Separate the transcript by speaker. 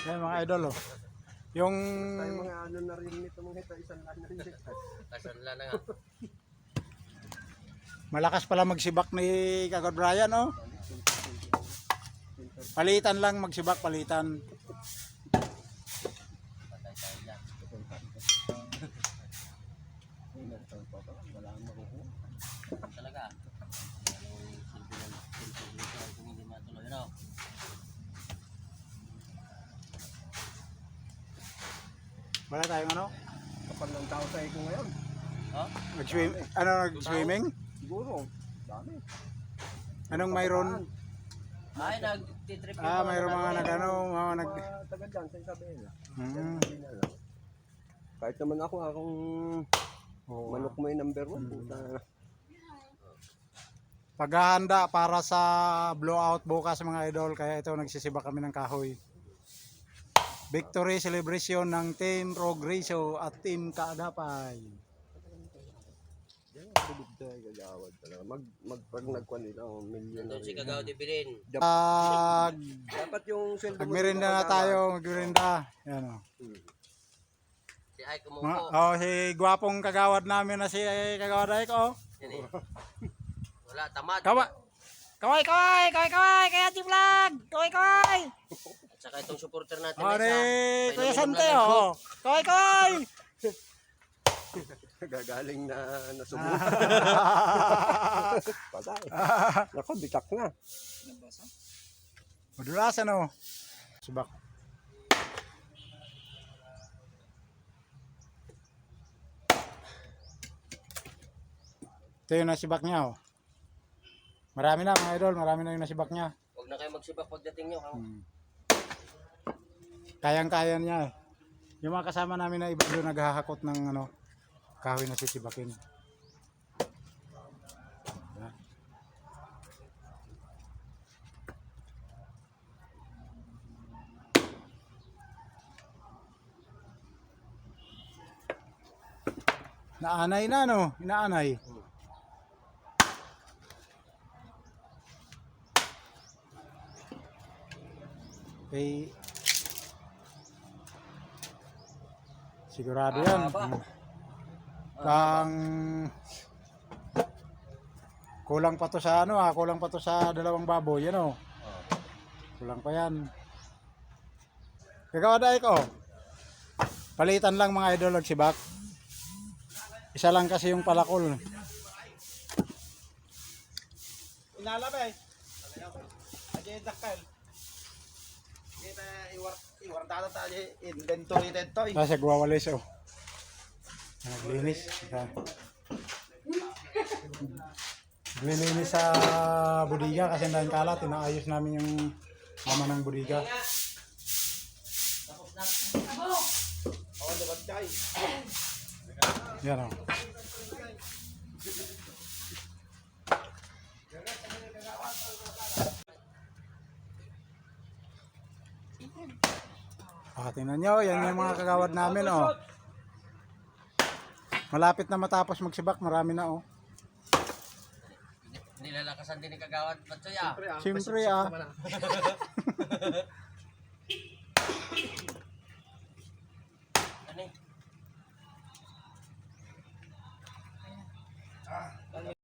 Speaker 1: Yan mga idol oh. Yung
Speaker 2: Tayo mga ano na rin nito mga ito, isang lan na rin.
Speaker 3: Kasan lang na nga.
Speaker 1: malakas pala magsibak ni Kagod Brian oh. Palitan lang magsibak, palitan.
Speaker 3: Patay tayo dyan.
Speaker 2: Wala ang makukuha.
Speaker 3: Talaga. Kung hindi matuloy, no?
Speaker 1: Wala tayong ano?
Speaker 2: Kapag ng tao sa iko ngayon.
Speaker 3: Oh?
Speaker 1: Nag-swimming?
Speaker 2: Siguro. Dami.
Speaker 1: Anong mayroon?
Speaker 3: Ay, nag-trip yung
Speaker 1: Mayroon mga nag-ano, mga nag...
Speaker 2: Mga taga dyan sa Isabela.
Speaker 1: Hmm.
Speaker 2: Kahit naman akong
Speaker 1: Oo.
Speaker 2: manok mo yung number 1.
Speaker 1: Paghahanda para sa blowout bukas mga idol, kaya ito nagsisibak kami ng kahoy. Victory celebration ng Team Progreso at Team Kaagapay.
Speaker 2: Yan, tulog tayo gagawad talaga. Pag nagkuhan nila, milyon na
Speaker 3: Doon si
Speaker 2: rin.
Speaker 3: Kagaw de Bilin.
Speaker 2: Dapat yung sweldo mo.
Speaker 1: Magmerinda na tayo, magmerinda. Yan o.
Speaker 3: Si Ay kumupo.
Speaker 1: Si gwapong kagawad namin na si Kagawad Aik oh.
Speaker 3: Yan eh. Wala, tamad.
Speaker 1: Kaway, kaya si vlog. Kaway.
Speaker 3: At saka itong supporter natin
Speaker 1: Oh,
Speaker 3: na isa.
Speaker 1: Kuya Sante oh. Kaway.
Speaker 2: Gagaling na nasubok. Patay. Nako, bitak na.
Speaker 1: Madulasan oh. Subak. Ito yung nasibak niya oh. Marami na mga idol, marami na yung nasibak niya.
Speaker 3: Huwag na kayo magsibak pagdating nyo.
Speaker 1: Kayang-kaya niya eh. Yung mga kasama namin na iba doon naghahakot ng ano, kahoy na sisibakin. Naanay na no, inaanay. Okay. Sigurado yan. Pang kulang pa to sa ano kulang pa to sa dalawang baboy ano. Kulang pa yan. Kagawa dai ko. Palitan lang mga idol og sibak. Isa lang kasi yung palakol.
Speaker 4: Inalabay. Aje dakal. Kita iwar data tayo inventory dito.
Speaker 1: Kasi gwawalis oh. Naglinis. Naglinis sa budiga kasi dahil kalat, inaayos namin yung mama ng budiga.
Speaker 4: Oh, dapat kay.
Speaker 1: Yan oh. Tingnan nyo, yan yung mga kagawad namin oh. Malapit na matapos magsibak, marami na oh.
Speaker 3: Nilalakasan din ni Kagawad Patsoy ah.
Speaker 1: Siyempre ah.